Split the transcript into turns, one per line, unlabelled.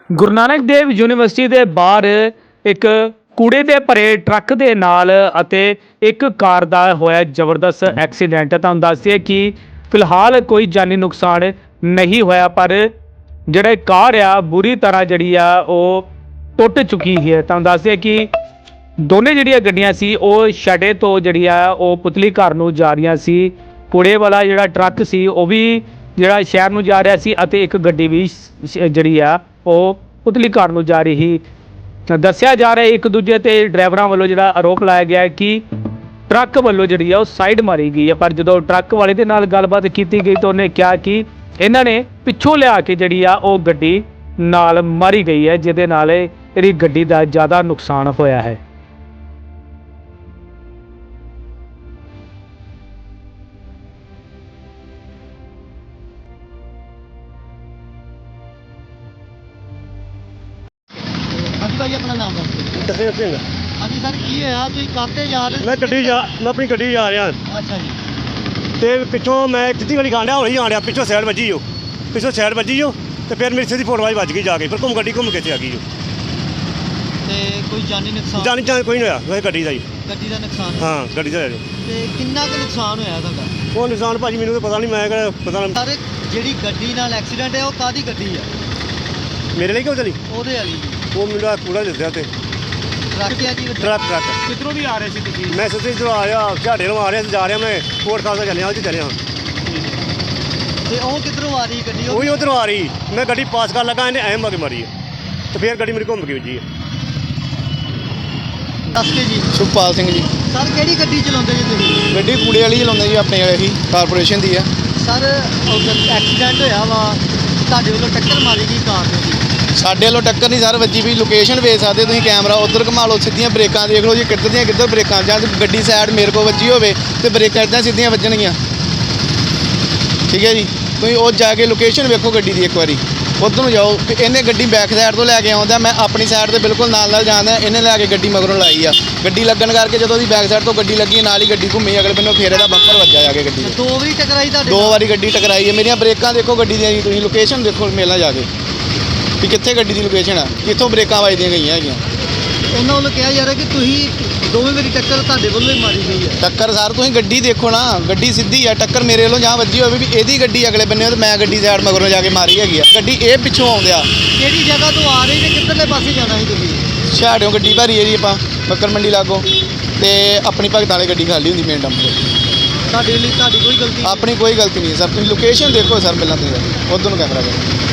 ਗੁਰੂ ਨਾਨਕ ਦੇਵ university ਦੇ ਬਾਹਰ ਇੱਕ ਕੂੜੇ ਦੇ ਭਰੇ ਟਰੱਕ ਦੇ ਨਾਲ ਅਤੇ ਇੱਕ ਕਾਰ ਦਾ ਹੋਇਆ ਜ਼ਬਰਦਸਤ ਐਕਸੀਡੈਂਟ। ਤੁਹਾਨੂੰ ਦੱਸ ਦਈਏ ਕਿ ਫਿਲਹਾਲ ਕੋਈ ਜਾਨੀ ਨੁਕਸਾਨ ਨਹੀਂ ਹੋਇਆ, ਪਰ ਜਿਹੜਾ ਕਾਰ ਆ ਬੁਰੀ ਤਰ੍ਹਾਂ ਜਿਹੜੀ ਆ ਉਹ ਟੁੱਟ ਚੁੱਕੀ ਹੈ। ਤੁਹਾਨੂੰ ਦੱਸ ਦਈਏ ਕਿ ਦੋਨੇ ਜਿਹੜੀਆਂ ਗੱਡੀਆਂ ਸੀ ਉਹ ਛੜੇ ਤੋਂ ਜਿਹੜੀ ਆ ਉਹ ਪੁਤਲੀ ਘਰ ਨੂੰ ਜਾ ਰਹੀਆਂ ਸੀ। ਕੂੜੇ ਵਾਲਾ ਜਿਹੜਾ ਟਰੱਕ ਸੀ ਉਹ ਵੀ ਜਿਹੜਾ ਸ਼ਹਿਰ ਨੂੰ ਜਾ ਰਿਹਾ ਸੀ ਅਤੇ ਇੱਕ ਗੱਡੀ ਵੀ ਜਿਹੜੀ ਆ ਉਹ ਪੁਤਲੀ ਘਰ ਨੂੰ ਜਾ ਰਹੀ ਸੀ। ਦੱਸਿਆ ਜਾ ਰਿਹਾ ਇੱਕ ਦੂਜੇ ਤੇ ਡਰਾਈਵਰਾਂ ਵੱਲੋਂ ਜਿਹੜਾ ਆਰੋਪ ਲਾਇਆ ਗਿਆ ਹੈ ਕਿ ਟਰੱਕ ਵੱਲੋਂ ਜਿਹੜੀ ਆ ਉਹ ਸਾਈਡ ਮਾਰੀ ਗਈ ਹੈ, ਪਰ ਜਦੋਂ ਟਰੱਕ ਵਾਲੇ ਦੇ ਨਾਲ ਗੱਲਬਾਤ ਕੀਤੀ ਗਈ ਤਾਂ ਉਹਨੇ ਕਿਹਾ ਕਿ ਇਹਨਾਂ ਨੇ ਪਿੱਛੋਂ ਲਿਆ ਕੇ ਜਿਹੜੀ ਆ ਉਹ ਗੱਡੀ ਨਾਲ ਮਾਰੀ ਗਈ ਹੈ, ਜਿਹਦੇ ਨਾਲ ਇਹਦੀ ਗੱਡੀ ਦਾ ਜ਼ਿਆਦਾ ਨੁਕਸਾਨ ਹੋਇਆ ਹੈ।
ਹਾਂਜੀ ਭਾਈ ਆਪਣਾ ਨਾਮ ਦੱਸੋ।
ਦਰਸ਼ਨ ਸਿੰਘ।
ਹਾਂਜੀ ਸਰ ਕੀ ਹੋਇਆ, ਤੁਸੀਂ ਕਾਹਤੇ ਜਾ ਰਹੇ?
ਮੈਂ ਆਪਣੀ ਗੱਡੀ ਜਾ ਰਿਹਾ
ਅੱਛਾ ਜੀ।
ਤੇ ਪਿੱਛੋਂ ਮੈਂ ਸਿੱਧੀ ਗਲੀ ਖਾਂਡਿਆ ਹੌਲੀ ਜਾਣ ਡਿਆ, ਪਿੱਛੋਂ ਸਾਈਡ ਵੱਜੀ ਜੋ ਤੇ ਫਿਰ ਮੇਰੀ ਸਿੱਧੀ ਫੋਟੋ ਵੱਜ ਗਈ ਜਾ ਕੇ, ਫਿਰ ਗੱਡੀ ਘੁੰਮ ਕੇ ਇੱਥੇ ਆ ਗਈ ਜੋ।
ਤੇ ਕੋਈ ਜਾਨੀ ਨੁਕਸਾਨ?
ਜਾਣੀ ਕੋਈ ਨਹੀਂ ਹੋਇਆ, ਵੈਸੇ ਗੱਡੀ ਦਾ ਹੀ।
ਗੱਡੀ ਦਾ ਨੁਕਸਾਨ?
ਹਾਂ ਗੱਡੀ ਦਾ ਹੋਇਆ ਜੋ।
ਤੇ ਕਿੰਨਾ ਕੁ ਨੁਕਸਾਨ ਹੋਇਆ ਤੁਹਾਡਾ?
ਉਹ ਨੁਕਸਾਨ ਭਾਜੀ ਮੈਨੂੰ ਤਾਂ ਪਤਾ ਨਹੀਂ, ਮੈਂ ਕਿਹੜਾ ਪਤਾ ਨਹੀਂ।
ਸਰ ਜਿਹੜੀ ਗੱਡੀ ਨਾਲ ਐਕਸੀਡੈਂਟ ਹੈ ਉਹ ਕਾਹਦੀ ਗੱਡੀ ਹੈ?
ਮੇਰੇ ਲਈ ਕਿਉਂ ਚਲੀ?
ਉਹਦੇ ਵਾਲੀ ਜੀ।
ਉਹ ਮੈਨੂੰ ਕੂੜਾ ਦੱਸਿਆ ਤੇ
ਟਰੱਕ ਹੈ ਜੀ?
ਟਰੱਕ
ਕਿੱਧਰੋਂ ਦੀ ਆ ਰਹੇ ਸੀ ਤੁਸੀਂ?
ਮੈਂ ਸਿੱਧੀ ਇੱਧਰੋਂ ਆ ਰਿਹਾ, ਝਾੜੇ ਨੂੰ ਆ ਰਿਹਾ, ਜਾ ਰਿਹਾ ਮੈਂ ਕੋਟ ਖਾਲਸਾ ਚੱਲਿਆ, ਉਹ 'ਚ ਚੱਲਿਆ।
ਤੇ ਉਹ ਕਿੱਧਰੋਂ ਆ ਰਹੀ ਗੱਡੀ?
ਉਹੀ ਉੱਧਰੋਂ ਆ ਰਹੀ, ਮੈਂ ਗੱਡੀ ਪਾਸ ਕਰਨ ਲੱਗਾ, ਇਹਨੇ ਐਂ ਮਾਰੀ ਮਾਰੀ ਹੈ ਤੇ ਫਿਰ ਗੱਡੀ ਮੇਰੀ ਘੁੰਮ ਕੇ ਵੱਜੀ ਹੈ।
ਦੱਸ ਕੇ ਜੀ।
ਸੁਖਪਾਲ ਸਿੰਘ ਜੀ।
ਸਰ ਕਿਹੜੀ ਗੱਡੀ ਚਲਾਉਂਦੇ ਜੀ ਤੁਸੀਂ?
ਗੱਡੀ ਕੂੜੇ ਵਾਲੀ ਚਲਾਉਂਦੇ ਜੀ, ਆਪਣੇ ਵਾਲੇ ਹੀ ਕਾਰਪੋਰੇਸ਼ਨ ਦੀ ਆ।
ਸਰ ਐਕਸੀਡੈਂਟ ਹੋਇਆ ਵਾ, ਤੁਹਾਡੇ ਵੱਲੋਂ ਟੱਕਰ ਮਾਰੀ ਗਈ ਕਾਰ ਦੇ?
ਸਾਡੇ ਵੱਲੋਂ ਟੱਕਰ ਨਹੀਂ ਸਰ ਵੱਜੀ ਵੀ, ਲੋਕੇਸ਼ਨ ਵੇਖ ਸਕਦੇ ਤੁਸੀਂ, ਕੈਮਰਾ ਉੱਧਰ ਘੁਮਾ ਲਓ, ਸਿੱਧੀਆਂ ਬ੍ਰੇਕਾਂ ਦੇਖ ਲਓ ਜੀ, ਕਿੱਧਰ ਬ੍ਰੇਕਾਂ, ਜਾਂ ਗੱਡੀ ਸਾਈਡ ਮੇਰੇ ਕੋਲ ਵੱਜੀ ਹੋਵੇ ਤੇ ਬ੍ਰੇਕਾਂ ਇੱਦਾਂ ਸਿੱਧੀਆਂ ਵੱਜਣਗੀਆਂ। ਠੀਕ ਹੈ ਜੀ, ਤੁਸੀਂ ਉਹ ਜਾ ਕੇ ਲੋਕੇਸ਼ਨ ਵੇਖੋ ਗੱਡੀ ਦੀ ਇੱਕ ਵਾਰੀ, ਉੱਧਰ ਨੂੰ ਜਾਓ। ਇਹਨੇ ਗੱਡੀ ਬੈਕ ਸਾਈਡ ਤੋਂ ਲੈ ਕੇ ਆਉਂਦਾ, ਮੈਂ ਆਪਣੀ ਸਾਈਡ ਤੇ ਬਿਲਕੁਲ ਨਾਲ ਜਾਂਦਾ, ਇਹਨੇ ਲੈ ਕੇ ਗੱਡੀ ਮਗਰੋਂ ਲਾਈ ਆ। ਗੱਡੀ ਲੱਗਣ ਕਰਕੇ ਜਦੋਂ ਉਹਦੀ ਬੈਕ ਸਾਈਡ ਤੋਂ ਗੱਡੀ ਲੱਗੀ, ਨਾਲ ਹੀ ਗੱਡੀ ਘੁੰਮੀ, ਅਗਲੇ ਬੰਨੋਂ ਫੇਰ ਇਹਦਾ ਬੰਪਰ ਵੱਜਾ ਜਾ ਕੇ ਗੱਡੀ ਦੇ।
2 ਵਾਰੀ ਟਕਰਾਈ ਤੁਹਾਡੇ?
2 ਵਾਰੀ ਗੱਡੀ ਟਕਰਾਈ ਹੈ। ਮੇਰੀਆਂ ਬ੍ਰੇਕਾਂ ਦੇਖੋ ਗੱਡੀ ਦੀਆਂ ਜੀ, ਤੁਸੀਂ ਲੋਕੇਸ਼ਨ ਦੇਖੋ ਮੇਲਾਂ ਜਾ ਕੇ ਵੀ ਕਿੱਥੇ ਗੱਡੀ ਦੀ ਲੋਕੇਸ਼ਨ ਆ, ਕਿੱਥੋਂ ਬ੍ਰੇਕਾਂ ਵੱਜਦੀਆਂ ਗਈਆਂ ਹੈਗੀਆਂ।
ਉਹਨਾਂ ਵੱਲੋਂ ਕਿਹਾ ਜਾ ਰਿਹਾ ਕਿ ਤੁਸੀਂ 2 ਵਾਰੀ ਟੱਕਰ ਤੁਹਾਡੇ ਵੱਲੋਂ ਹੀ ਮਾਰੀ ਗਈ ਹੈ।
ਟੱਕਰ ਸਰ ਤੁਸੀਂ ਗੱਡੀ ਦੇਖੋ ਨਾ, ਗੱਡੀ ਸਿੱਧੀ ਆ, ਟੱਕਰ ਮੇਰੇ ਵੱਲੋਂ ਜਾਂ ਵੱਜੀ ਹੋਵੇ ਵੀ ਇਹਦੀ ਗੱਡੀ ਅਗਲੇ ਬੰਨੇ ਤੇ ਮੈਂ ਗੱਡੀ ਸਾਈਡ ਮਗਰੋਂ ਜਾ ਕੇ ਮਾਰੀ ਹੈਗੀ ਆ। ਗੱਡੀ ਇਹ ਪਿੱਛੋਂ ਆਉਂਦਿਆ
ਕਿਹੜੀ ਜਗ੍ਹਾ ਤੋਂ ਆ ਰਹੀ ਤੇ ਕਿੱਧਰਲੇ ਪਾਸੇ ਜਾਣਾ ਸੀ ਤੁਸੀਂ?
ਛਾੜਿਓਂ ਗੱਡੀ ਭਰੀ ਹੈ ਜੀ ਆਪਾਂ ਬੱਕਰ ਮੰਡੀ ਲਾਗੋਂ, ਤੇ ਆਪਣੀ ਭਗਤਾਂ ਵਾਲੀ ਗੱਡੀ ਖਾਲੀ ਹੁੰਦੀ ਮੇਨ ਡੰਪ ਤੇ।
ਤੁਹਾਡੀ ਕੋਈ ਗਲਤੀ?
ਆਪਣੀ ਕੋਈ ਗਲਤੀ ਨਹੀਂ ਸਰ, ਤੁਸੀਂ ਲੋਕੇਸ਼ਨ ਦੇਖੋ ਸਰ ਪਹਿਲਾਂ ਤੁਸੀਂ, ਉੱਧਰ ਨੂੰ ਕੈਮਰਾ ਕਰੋ।